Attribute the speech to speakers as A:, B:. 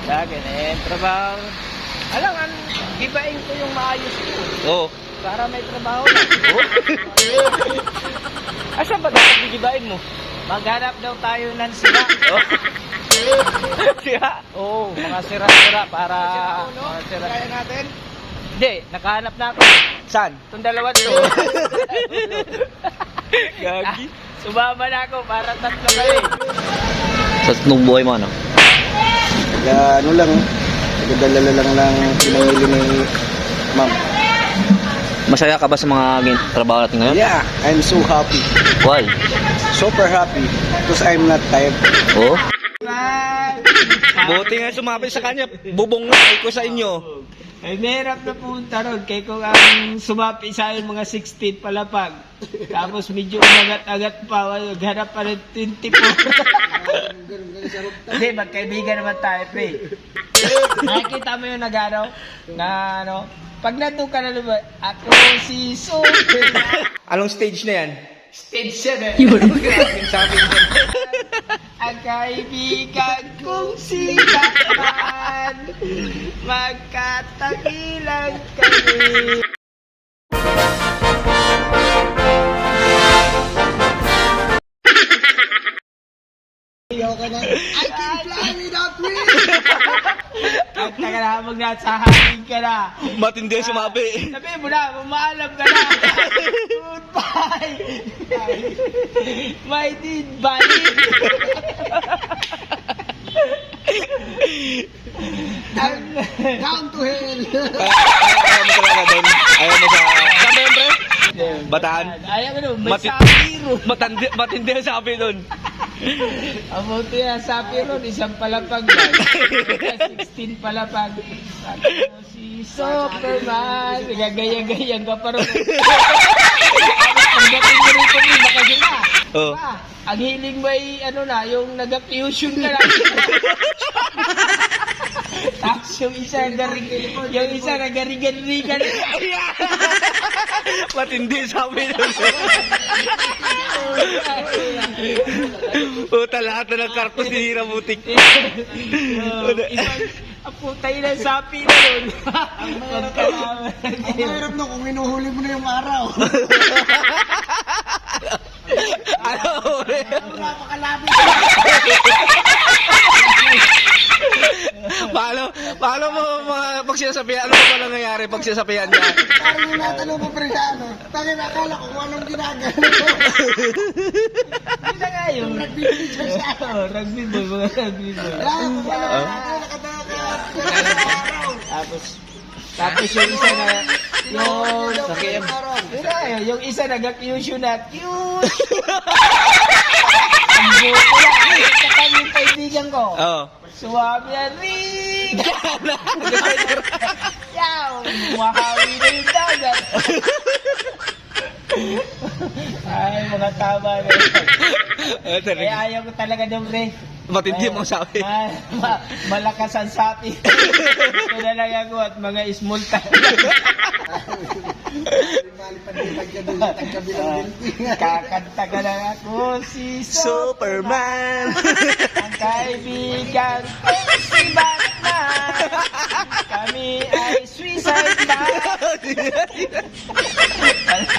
A: Sa akin trabaho. Alam, gibain ko yung maayos ko.
B: Oo.
A: Para may trabaho na. Asa ba dapat gigibain mo? Maghanap daw tayo ng sira.
B: Siya?
A: Oo, mga sira-sira para... Mga sira.
C: Kaya natin?
A: Hindi, nakahanap na ako.
B: Saan?
A: Itong dalawa to.
B: Gagi.
A: Sumama na ako para tatlo kayo.
B: Sa nung buhay mo, ano?
C: Ano lang, nagdalala lang pinamili ni ma'am.
B: Masaya ka ba sa mga trabaho natin ngayon?
C: Yeah, I'm so happy.
B: Why?
C: Super happy. Because I'm not tired.
B: Oo. Buti nga sumapit sa kanya. Bubong na ko sa inyo.
A: Ay, mahirap na punta ron. Kaya kung ang sumapi sa akin mga 16 palapag. Tapos medyo umagat-agat pa. Maghanap pa rin 24. Hindi, magkaibigan naman tayo, pre. Nakikita mo yung nagano? Na ano? Pag nandun ka na naman, ako si Super.
B: Anong stage na yan?
A: Stage 7.
B: Sabi niya.
A: Ang kaibigan kong si Batman, magkatagilan kami.
C: Ayaw ka na. I can fly without wings!
A: Ang taga na, magnasahahin ka na.
B: Matindi ang sumabi.
A: Sabihin mo na, mamaalam ka na. Goodbye. My deed body.
C: Down to hell!
B: Ayaw mo talaga doon. Ayaw mo sa... Saan ba yun, pre? Bataan?
A: Ayaw ko doon, may
B: Mati-
A: sapiro.
B: Matindi ang sabi doon.
A: Ang buti na sapiro, isang palapag lang. 16 palapag. Ako si Superman. Nagagaya-gayang ka pa rin. Ang dating mo rito, baka sila.
B: Oh.
A: Diba? Ang hiling mo ay, ano na, yung nag-fusion ka na. Tapos yung isa nagarigan-rigan.
B: Matindi ang sabi doon. Puta, lahat na ng kartos tinira butik.
A: Ang putay na sapi na yun.
C: Ang mahirap no kung inuhuli mo na yung araw.
B: Ano, pre?
C: Napakalapit.
B: Paano mo pagsasabihan? Ano ba nangyayari pag sinasabihan niya?
C: Parang yung natanong ko pre sa ano. Tangin, akala ko kung anong ginagano ko.
A: Yun na nga yun.
C: Nagbibidyo siya.
A: Rugby boy, mga rugby boy.
C: Kaya kung ano, nakataka.
A: Tapos yung isa na, yung
C: Sakit.
A: yung isa nag-fusion na, cute! Ang buto na, kapag yung kaibigan ko,
B: Oo.
A: suwabi yan, ring! Yaw! Mahawi na yung dagat. Ay, mga tama na yun. Kaya ayaw ko talaga doon, pre.
B: Matindi mo sabi.
A: Malakas ang sapi. Ito na lang ako at mga small time. Kakanta ka lang ako si
B: Superman.
A: Ang kaibigan ko si Batman. Kami ay suicide man.